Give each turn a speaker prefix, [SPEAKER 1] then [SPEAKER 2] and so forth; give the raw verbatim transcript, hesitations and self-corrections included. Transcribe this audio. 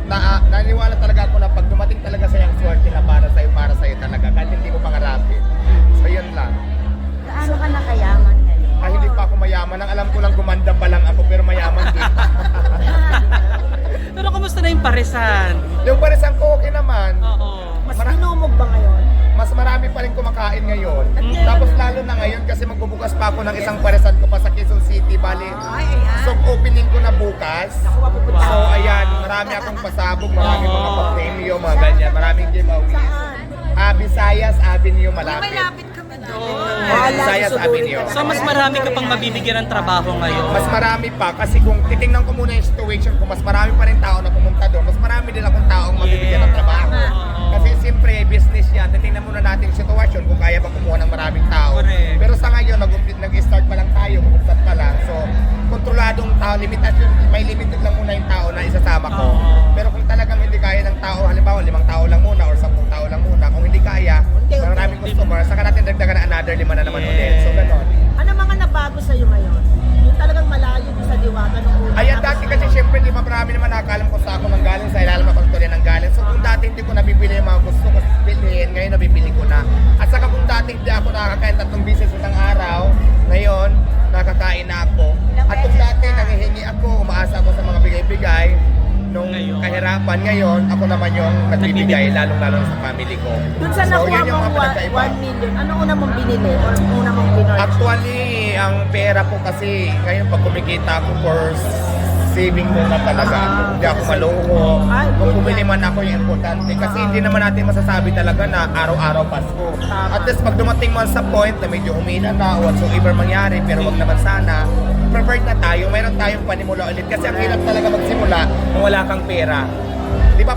[SPEAKER 1] na, naniwala talaga ako na pag dumating talaga sa'yo ang swerte na para sa'yo, para sa'yo talaga. Kahit hindi mo pangarapin. So yun lang.
[SPEAKER 2] Gaano ka nakayaman ngayon?
[SPEAKER 1] Ah, hindi pa ako mayaman. Ang alam ko lang gumanda pa lang ako, pero mayaman din.
[SPEAKER 3] Pero kumusta na yung paresan?
[SPEAKER 1] Yung parisan ko, okay naman.
[SPEAKER 3] Oo.
[SPEAKER 2] Mas
[SPEAKER 1] Mara-
[SPEAKER 2] binumog ba ngayon?
[SPEAKER 1] Mas marami pa rin kumakain ngayon. Tapos lalo na ngayon kasi magbubukas pa ako ng isang parisan ko pa sa Quezon City. Bali,
[SPEAKER 2] Ay, ayan.
[SPEAKER 1] so opening ko na bukas.
[SPEAKER 2] Naku, mapupunta.
[SPEAKER 1] So ayan, marami akong pasabog, marami mga pa-premio, mga ganyan. Maraming giveaways.
[SPEAKER 2] Saan?
[SPEAKER 1] Ah, Visayas Avenue, malapit.
[SPEAKER 2] kami doon.
[SPEAKER 1] Ah, Visayas Avenue.
[SPEAKER 3] So mas marami ka pang mabibigyan ng trabaho ngayon.
[SPEAKER 1] Mas marami pa kasi kung titingnan ko muna yung situation ko, mas marami pa rin tao na pumunta doon. Mas marami din akong taong mabibigyan ng trabaho. Kasi siyempre, business yan. Titingnan muna natin yung sitwasyon kung kaya ba kumuha ng maraming tao.
[SPEAKER 3] Correct.
[SPEAKER 1] Pero sa ngayon, nag- nag-start pa lang tayo, mag-start pa lang. So, kontroladong tao, limitasyon, may limited lang muna yung tao na isasama ko.
[SPEAKER 3] Oo.
[SPEAKER 1] Pero kung talagang hindi kaya ng tao, halimbawa limang tao lang muna or sampung tao lang muna, kung hindi kaya, maraming customer, saka natin dagdagan another lima na naman
[SPEAKER 3] Yes.
[SPEAKER 1] ulit. So, ganon.
[SPEAKER 2] Ano mga nabago sa'yo ngayon? Yung talagang malayo sa diwata nung una.
[SPEAKER 1] Ayan, dati kasi syempre, di ba marami naman nakakalam ko sa ako ng galing sa ilalim ng tuloy ng galing. So kung dati hindi ko nabibili yung mga gusto ko bilhin, ngayon nabibili ko na. At saka kung dati hindi ako nakakain tatlong bisis isang araw, ngayon nakakain na ako. At kung dati nangihingi ako, umaasa ako sa mga bigay-bigay, nung
[SPEAKER 3] Ngayon.
[SPEAKER 1] kahirapan ngayon, ako naman yung nagbibigay, lalong-lalo sa family ko.
[SPEAKER 2] Dun sa
[SPEAKER 1] So,
[SPEAKER 2] nakuha
[SPEAKER 1] yun yung
[SPEAKER 2] mong
[SPEAKER 1] mga pinagkaiba.
[SPEAKER 2] one million, ano una mong binili or una mong binorch?
[SPEAKER 1] Actually, ang pera ko kasi, ngayon pag kumikita ako for saving ko na talaga.
[SPEAKER 2] Ah,
[SPEAKER 1] Hindi ako maloko.
[SPEAKER 2] Ay,
[SPEAKER 1] Kung
[SPEAKER 2] good
[SPEAKER 1] bumili
[SPEAKER 2] yan.
[SPEAKER 1] man ako yung importante. Kasi
[SPEAKER 2] Ah.
[SPEAKER 1] hindi naman natin masasabi talaga na araw-araw Pasko.
[SPEAKER 2] Tama.
[SPEAKER 1] At least pag dumating man sa point na medyo humina na whatsoever mangyari, pero wag naman sana, prepared na tayo, mayroon tayong panimula ulit. Kasi ang hirap talaga magsimula kung wala kang pera. Di ba?